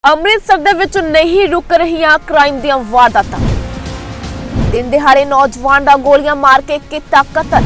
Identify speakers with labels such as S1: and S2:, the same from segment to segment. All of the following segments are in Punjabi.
S1: ਅੰਮ੍ਰਿਤਸਰ ਦੇ ਵਿੱਚ ਨਹੀਂ ਰੁਕ ਰਹੀਆਂ ਕ੍ਰਾਈਮ ਦੀਆਂ ਵਾਰਦਾਤਾਂ। ਦਿਨ ਦਿਹਾੜੇ ਨੌਜਵਾਨ ਦਾ ਗੋਲੀਆਂ ਮਾਰ ਕੇ ਕੀਤਾ ਕਤਲ।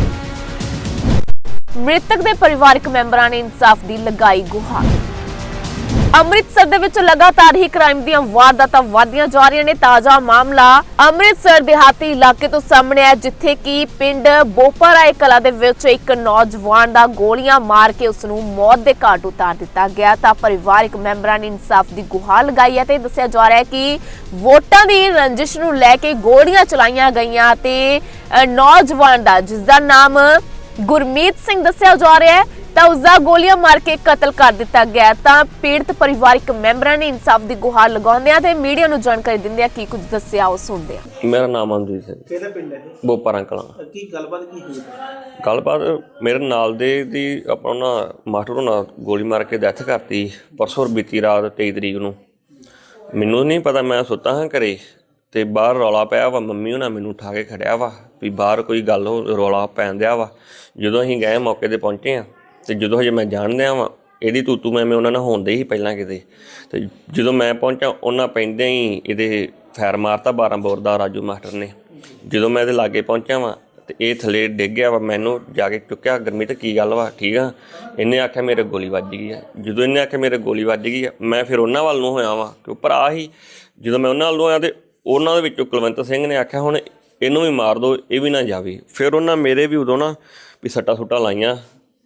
S1: ਮ੍ਰਿਤਕ ਦੇ ਪਰਿਵਾਰਕ ਮੈਂਬਰਾਂ ਨੇ ਇਨਸਾਫ ਦੀ ਲਗਾਈ ਗੁਹਾਰ। ਅੰਮ੍ਰਿਤਸਰ ਦੇ ਵਿੱਚ ਲਗਾਤਾਰ ਹੀ ਕ੍ਰਾਈਮ ਦੀਆਂ ਵਾਰਦਾਤਾਂ ਵਧਦੀਆਂ ਜਾ ਰਹੀਆਂ ਨੇ। ਤਾਜ਼ਾ ਮਾਮਲਾ ਅੰਮ੍ਰਿਤਸਰ ਦਿਹਾਤੀ ਇਲਾਕੇ ਤੋਂ ਸਾਹਮਣੇ ਆਇਆ, ਜਿੱਥੇ ਕਿ ਪਿੰਡ ਬੋਪਰਾਏ ਕਲਾ ਦੇ ਵਿੱਚ ਇੱਕ ਨੌਜਵਾਨ ਦਾ ਗੋਲੀਆਂ ਮਾਰ ਕੇ ਉਸ ਨੂੰ ਮੌਤ ਦੇ ਘਾਟ ਉਤਾਰ ਦਿੱਤਾ ਗਿਆ। ਤਾਂ ਪਰਿਵਾਰਕ ਮੈਂਬਰਾਂ ਨੇ ਇਨਸਾਫ ਦੀ ਗੁਹਾਰ ਲਗਾਈ ਹੈ ਤੇ ਦੱਸਿਆ ਜਾ ਰਿਹਾ ਹੈ ਕਿ ਵੋਟਾਂ ਦੀ ਰੰਜਿਸ਼ ਨੂੰ ਲੈ ਕੇ ਗੋਲੀਆਂ ਚਲਾਈਆਂ ਗਈਆਂ ਤੇ ਨੌਜਵਾਨ ਦਾ, ਜਿਸ ਦਾ ਨਾਮ ਗੁਰਮੀਤ ਸਿੰਘ ਦੱਸਿਆ ਜਾ ਰਿਹਾ ਹੈ, ਤਾਂ ਉਸਦਾ ਗੋਲੀਆਂ ਮਾਰ ਕੇ ਕਤਲ ਕਰ ਦਿੱਤਾ ਗਿਆ। ਤਾਂ ਪੀੜਤ ਪਰਿਵਾਰਕ ਮੈਂਬਰਾਂ ਨੇ ਇਨਸਾਫ ਦੀ ਗੁਹਾਰ ਲਗਾਉਂਦਿਆਂ ਤੇ ਮੀਡੀਆ ਨੂੰ ਜਾਣਕਾਰੀ ਦਿੰਦਿਆਂ ਕੀ ਕੁਝ ਦੱਸਿਆ, ਉਹ ਸੁਣਦੇ ਹਾਂ।
S2: ਮੇਰਾ ਨਾਮ ਅਮਨਦੀਪ ਸਿੰਘ।
S3: ਕਿਹੜਾ ਪਿੰਡ ਹੈ?
S2: ਬੋਪਾਰਾ ਕਲਾਂ।
S3: ਕੀ ਗੱਲਬਾਤ ਕੀ ਹੋਈ?
S2: ਗੱਲਬਾਤ ਮੇਰੇ ਨਾਲ ਦੇ ਦੀ ਆਪਣਾ ਮਾਸਟਰ ਨਾਲ ਗੋਲੀ ਮਾਰ ਕੇ ਡੈਥ ਕਰਤੀ ਪਰਸੋਂ ਬੀਤੀ ਰਾਤ 23 ਤਰੀਕ ਨੂੰ। ਮੈਨੂੰ ਨਹੀਂ ਪਤਾ, ਮੈਂ ਸੁੱਤਾ ਹਾਂ ਘਰੇ ਤੇ ਬਾਹਰ ਰੌਲਾ ਪਿਆ ਵਾ। ਮੰਮੀ ਉਹਨਾਂ ਮੈਨੂੰ ਉਠਾ ਕੇ ਖੜਿਆ ਵਾ ਵੀ ਬਾਹਰ ਕੋਈ ਗੱਲ ਰੌਲਾ ਪੈਣ ਦਿਆ ਵਾ। ਜਦੋਂ ਅਸੀਂ ਗਏ ਮੌਕੇ 'ਤੇ ਪਹੁੰਚੇ ਹਾਂ ਤੇ ਜਦੋਂ ਹਜੇ ਮੈਂ ਜਾਣਦਿਆ ਵਾਂ ਇਹਦੀ ਤੂਤੂ ਮੈਂ ਉਹਨਾਂ ਨਾਲ ਹੋਣਦੇ ਹੀ ਪਹਿਲਾਂ ਕਿਤੇ, ਤੇ ਜਦੋਂ ਮੈਂ ਪਹੁੰਚਾ ਉਹਨਾਂ ਪੈਂਦਿਆਂ ਹੀ ਇਹਦੇ ਫੈਰ ਮਾਰਤਾ 12 ਬੋਰ ਦਾ ਰਾਜੂ ਮਾਸਟਰ ਨੇ। ਜਦੋਂ ਮੈਂ ਇਹਦੇ ਲਾਗੇ ਪਹੁੰਚਿਆ ਵਾਂ ਤੇ ਇਹ ਥੱਲੇ ਡਿੱਗ ਗਿਆ ਵਾ। ਮੈਨੂੰ ਜਾ ਕੇ ਚੁੱਕਿਆ, ਗੁਰਮੀਤ ਕੀ ਗੱਲ ਵਾ, ਠੀਕ ਆ? ਇਹਨੇ ਆਖਿਆ ਮੇਰੇ ਗੋਲੀ ਵੱਜ ਗਈ ਆ। ਜਦੋਂ ਇਹਨੇ ਆਖਿਆ ਮੇਰੇ ਗੋਲੀ ਵੱਜ ਗਈ ਆ, ਮੈਂ ਫਿਰ ਉਹਨਾਂ ਵੱਲ ਨੂੰ ਹੋਇਆ ਵਾਂ ਕਿ ਭਰਾ ਹੀ। ਜਦੋਂ ਮੈਂ ਉਹਨਾਂ ਵੱਲ ਨੂੰ ਆਇਆ ਤੇ ਉਹਨਾਂ ਦੇ ਵਿੱਚੋਂ ਕੁਲਵੰਤ ਸਿੰਘ ਨੇ ਆਖਿਆ ਹੁਣ ਇਹਨੂੰ ਵੀ ਮਾਰ ਦਿਓ, ਇਹ ਵੀ ਨਾ ਜਾਵੇ। ਫਿਰ ਉਹਨਾਂ ਮੇਰੇ ਵੀ ਉਦੋਂ ਨਾ ਵੀ ਸੱਟਾਂ ਸੁੱਟਾਂ ਲਾਈਆਂ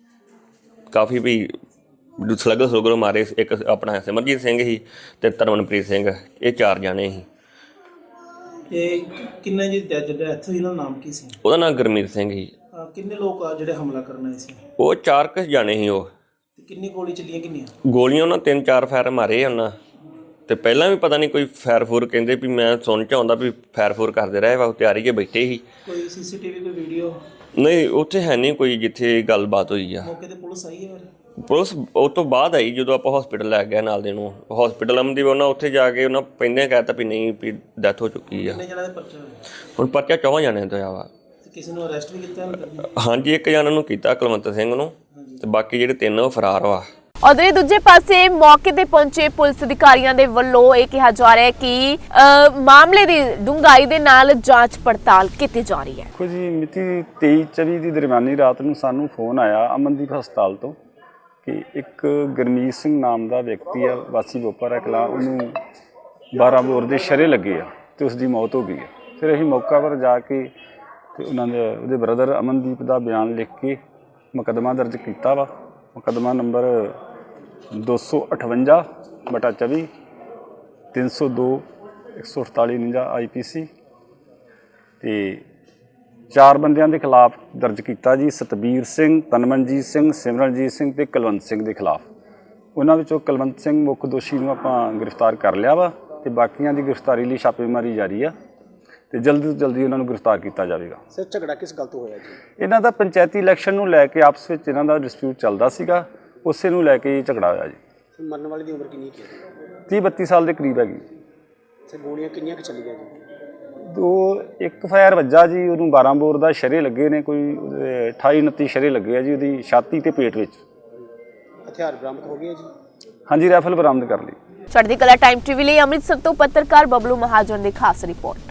S2: ਕਾਫੀ, ਵੀ ਸਲਗਰ ਮਾਰੇ। ਇੱਕ ਆਪਣਾ ਸਿਮਰਜੀਤ ਸਿੰਘ ਸੀ ਤੇ ਤਰਮਨਪ੍ਰੀਤ ਸਿੰਘ, ਇਹ 4 ਜਾਣੇ ਸੀ।
S3: ਇਹ ਕਿੰਨੇ ਜੀ ਜਿਹੜਾ ਇੱਥੇ ਇਹਨਾਂ ਦਾ ਨਾਮ ਕੀ ਸੀ?
S2: ਉਹਦਾ ਨਾਮ ਗੁਰਮੀਤ ਸਿੰਘ ਸੀ।
S3: ਕਿੰਨੇ ਲੋਕ ਆ ਜਿਹੜੇ ਹਮਲਾ ਕਰਨ ਆਏ ਸੀ?
S2: ਉਹ 4 ਜਾਣੇ ਸੀ। ਉਹ
S3: ਕਿੰਨੀ ਗੋਲੀ ਚੱਲੀਆਂ? ਕਿੰਨੀਆਂ
S2: ਗੋਲੀਆਂ ਉਹਨਾਂ 3-4 ਫਾਇਰ ਮਾਰੇ ਉਹਨਾਂ ਤੇ ਪਹਿਲਾਂ ਵੀ ਪਤਾ ਨਹੀਂ ਕੋਈ ਫਾਇਰ ਫੂਰ ਕਹਿੰਦੇ ਵੀ ਮੈਂ ਸੁਣ ਚ ਆਉਂਦਾ ਵੀ ਫਾਇਰ ਫੂਰ ਕਰਦੇ ਰਹੇ ਵਾ। ਤਿਆਰੀ 'ਚ ਬੈਠੇ ਸੀ।
S3: ਕੋਈ ਸੀਸੀਟੀਵੀ ਕੋਈ ਵੀਡੀਓ?
S2: ਨਹੀਂ, ਉੱਥੇ ਹੈ ਨਹੀਂ ਕੋਈ ਜਿੱਥੇ ਗੱਲਬਾਤ ਹੋਈ ਆ।
S3: ਮੌਕੇ ਤੇ ਪੁਲਿਸ ਆਈ ਹੈ? ਫਿਰ
S2: ਪੁਲਿਸ ਉਹ ਤੋਂ ਬਾਅਦ ਆਈ ਜਦੋਂ ਆਪਾਂ ਹਸਪੀਟਲ ਲੈ ਗਏ ਨਾਲ ਦੇ ਨੂੰ। ਹਸਪੀਟਲ ਅਮਨਦੀਪ ਉਹਨਾਂ ਉੱਥੇ ਜਾ ਕੇ ਉਹਨਾਂ ਪਹਿਲਾਂ ਕਹਿਤਾ ਵੀ ਨਹੀਂ ਵੀ ਡੈਥ ਹੋ ਚੁੱਕੀ ਆ।
S3: ਕਿੰਨੇ ਜਣਾਂ ਦੇ ਪਰਚਾ ਹੋਇਆ?
S2: ਹੁਣ ਪਰਚਾ 4 ਜਾਣਿਆਂ ਤੋਂ ਆ ਵਾ।
S3: ਤੇ ਕਿਸੇ ਨੂੰ ਅਰੈਸਟ ਵੀ ਕੀਤਾ?
S2: ਹਾਂਜੀ, 1 ਜਣਾ ਨੂੰ ਕੀਤਾ ਕੁਲਵੰਤ ਸਿੰਘ ਨੂੰ, ਤੇ ਬਾਕੀ ਜਿਹੜੇ 3 ਉਹ ਫਰਾਰ ਵਾ।
S1: ਉਧਰ ਦੂਜੇ ਪਾਸੇ ਮੌਕੇ ਤੇ ਪਹੁੰਚੇ ਪੁਲਿਸ ਅਧਿਕਾਰੀਆਂ ਦੇ ਵੱਲੋਂ ਇਹ ਕਿਹਾ ਜਾ ਰਿਹਾ ਹੈ ਕਿ ਮਾਮਲੇ ਦੀ ਡੂੰਘਾਈ ਦੇ ਨਾਲ ਜਾਂਚ ਪੜਤਾਲ ਕੀਤੀ ਜਾ ਰਹੀ ਹੈ।
S4: ਕੁਝ ਮਿਤੀ 23-24 ਦੀ ਦਰਮਿਆਨੀ ਰਾਤ ਨੂੰ ਸਾਨੂੰ ਫੋਨ ਆਇਆ ਅਮਨਦੀਪ ਹਸਪਤਾਲ ਤੋਂ ਕਿ ਇੱਕ ਗੁਰਮੀਤ ਸਿੰਘ ਨਾਮ ਦਾ ਵਿਅਕਤੀ ਆ, ਵਾਸੀ ਬੋਪਾਰਾ ਕਲਾਂ, ਉਹਨੂੰ 12 ਬੋਰ ਦੇ ਸ਼ਰੇ ਲੱਗੇ ਆ ਤੇ ਉਸ ਦੀ ਮੌਤ ਹੋ ਗਈ ਆ। ਫਿਰ ਅਸੀਂ ਮੌਕਾ ਪਰ ਜਾ ਕੇ ਤੇ ਉਹਦੇ ਬ੍ਰਦਰ ਅਮਨਦੀਪ ਦਾ ਬਿਆਨ ਲਿਖ ਕੇ ਮੁਕੱਦਮਾ ਦਰਜ ਕੀਤਾ ਵਾ। ਮੁਕੱਦਮਾ ਨੰਬਰ 258/24 302 148 IPC ਤੇ 4 ਬੰਦਿਆਂ ਦੇ ਖਿਲਾਫ ਦਰਜ ਕੀਤਾ ਜੀ। ਸਤਬੀਰ ਸਿੰਘ, ਤਨਮਨਜੀਤ ਸਿੰਘ, ਸਿਮਰਨਜੀਤ ਸਿੰਘ ਤੇ ਕੁਲਵੰਤ ਸਿੰਘ ਦੇ ਖਿਲਾਫ। ਉਹਨਾਂ ਵਿੱਚੋਂ ਕੁਲਵੰਤ ਸਿੰਘ ਮੁੱਖ ਦੋਸ਼ੀ ਨੂੰ ਆਪਾਂ ਗ੍ਰਿਫਤਾਰ ਕਰ ਲਿਆ ਵਾ ਤੇ ਬਾਕੀਆਂ ਦੀ ਗ੍ਰਿਫਤਾਰੀ ਲਈ ਛਾਪੇਮਾਰੀ ਜਾਰੀ ਆ ਤੇ ਜਲਦੀ ਤੋਂ ਜਲਦੀ ਉਹਨਾਂ ਨੂੰ ਗ੍ਰਿਫਤਾਰ ਕੀਤਾ ਜਾਵੇਗਾ।
S3: ਸਰ, ਝਗੜਾ ਕਿਸ ਗੱਲ ਤੋਂ ਹੋਇਆ ਜੀ?
S4: ਇਹਨਾਂ ਦਾ ਪੰਚਾਇਤੀ ਇਲੈਕਸ਼ਨ ਨੂੰ ਲੈ ਕੇ ਆਪਸ ਵਿੱਚ ਇਹਨਾਂ ਦਾ ਡਿਸਪਿਊਟ ਚੱਲਦਾ ਸੀਗਾ, ਉਸੇ ਨੂੰ ਲੈ ਕੇ ਹੀ ਝਗੜਾ ਹੋਇਆ ਜੀ।
S3: ਮਰਨ ਵਾਲੇ ਦੀ ਉਮਰ ਕਿੰਨੀ ਹੈ?
S4: 30-32 ਸਾਲ ਦੇ ਕਰੀਬ ਹੈਗੀ।
S3: ਸਰ, ਗੋਲੀਆਂ ਕਿੰਨੀਆਂ ਕੁ ਚੱਲੀਆਂ ਜੀ?
S4: ਇੱਕ ਫਾਇਰ ਵੱਜਾ ਜੀ, ਉਹਨੂੰ 12 ਬੋਰ ਦਾ ਸ਼ਰੇ ਲੱਗੇ ਨੇ, ਕੋਈ 28-29 ਸ਼ਰੇ ਲੱਗੇ ਆ ਜੀ ਉਹਦੀ ਛਾਤੀ ਤੇ ਪੇਟ ਵਿੱਚ।
S3: ਹਥਿਆਰ ਬਰਾਮਦ ਹੋ ਗਏ ਜੀ?
S4: ਹਾਂਜੀ, ਰਾਈਫਲ ਬਰਾਮਦ ਕਰ ਲਈ।
S1: ਚੜ੍ਹਦੀ ਕਲਾ ਟਾਈਮ ਟੀਵੀ ਲਈ ਅੰਮ੍ਰਿਤਸਰ ਤੋਂ ਪੱਤਰਕਾਰ ਬਬਲੂ ਮਹਾਜਨ ਦੀ ਖਾਸ ਰਿਪੋਰਟ।